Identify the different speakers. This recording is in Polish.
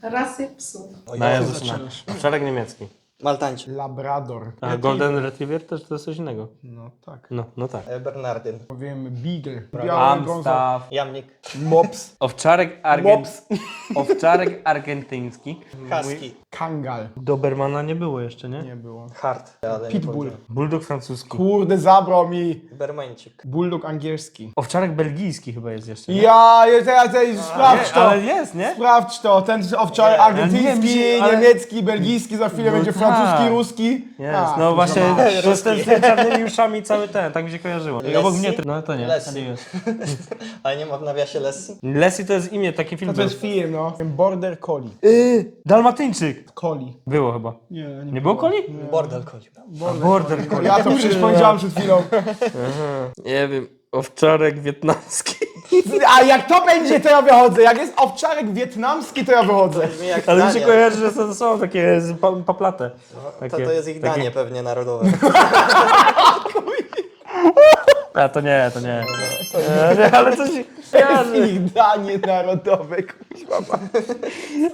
Speaker 1: Rasy psów.
Speaker 2: No ja zaczynam. Owczarek niemiecki.
Speaker 3: Maltańczyk.
Speaker 4: Labrador.
Speaker 2: A Golden Retriever też to jest coś innego.
Speaker 4: No tak.
Speaker 2: No tak.
Speaker 3: Bernardyn.
Speaker 4: Powiem Beagle. Biały brązowy.
Speaker 2: Amstaff.
Speaker 3: Jamnik.
Speaker 4: Mops.
Speaker 2: Owczarek argentyński.
Speaker 3: Husky.
Speaker 4: Kangal.
Speaker 2: Dobermana nie było jeszcze, nie?
Speaker 4: Nie było.
Speaker 3: Hart. Ale nie
Speaker 4: Pitbull.
Speaker 3: powiedziałem.
Speaker 2: Bulldog francuski.
Speaker 4: Kurde, zabrał mi.
Speaker 3: Bermańczyk.
Speaker 4: Bulldog angielski.
Speaker 2: Owczarek belgijski chyba jest jeszcze. Nie?
Speaker 4: Ja, sprawdź
Speaker 2: Nie,
Speaker 4: to.
Speaker 2: ale jest, nie?
Speaker 4: Sprawdź to. Ten owczarek
Speaker 3: Nie,
Speaker 4: argentyński,
Speaker 2: ale-
Speaker 4: niemiecki, belgijski, za chwilę
Speaker 2: No
Speaker 4: będzie
Speaker 2: tak.
Speaker 4: francuski, ruski.
Speaker 2: Jest,
Speaker 4: A,
Speaker 2: no
Speaker 4: to
Speaker 2: właśnie,
Speaker 4: zobacz.
Speaker 2: to jest ten z tymi czarnymi uszami cały ten, tak mi się kojarzyło. I obok mnie, no to nie.
Speaker 3: Lessie.
Speaker 2: nie jest.
Speaker 3: Ale nie ma w nawiasie Lessie?
Speaker 2: Leslie to jest imię, taki film
Speaker 4: To jest film, no. Border Collie.
Speaker 2: Dalmatyńczyk.
Speaker 4: Collie.
Speaker 2: Było chyba.
Speaker 4: Nie
Speaker 2: było Coli?
Speaker 3: Bordel Collie.
Speaker 2: Border Collie.
Speaker 4: Ja to przecież powiedziałem przed chwilą.
Speaker 2: Nie wiem, owczarek wietnamski.
Speaker 4: A jak to będzie, to ja wychodzę. Jak jest owczarek wietnamski, to ja wychodzę.
Speaker 3: Brzmi jak
Speaker 2: Ale mi się
Speaker 3: danie.
Speaker 2: kojarzy, że to są takie paplate.
Speaker 3: To jest ich danie pewnie narodowe.
Speaker 2: A to nie. Nie, ale coś kojarzy.
Speaker 4: Ich danie narodowe, kuźwa.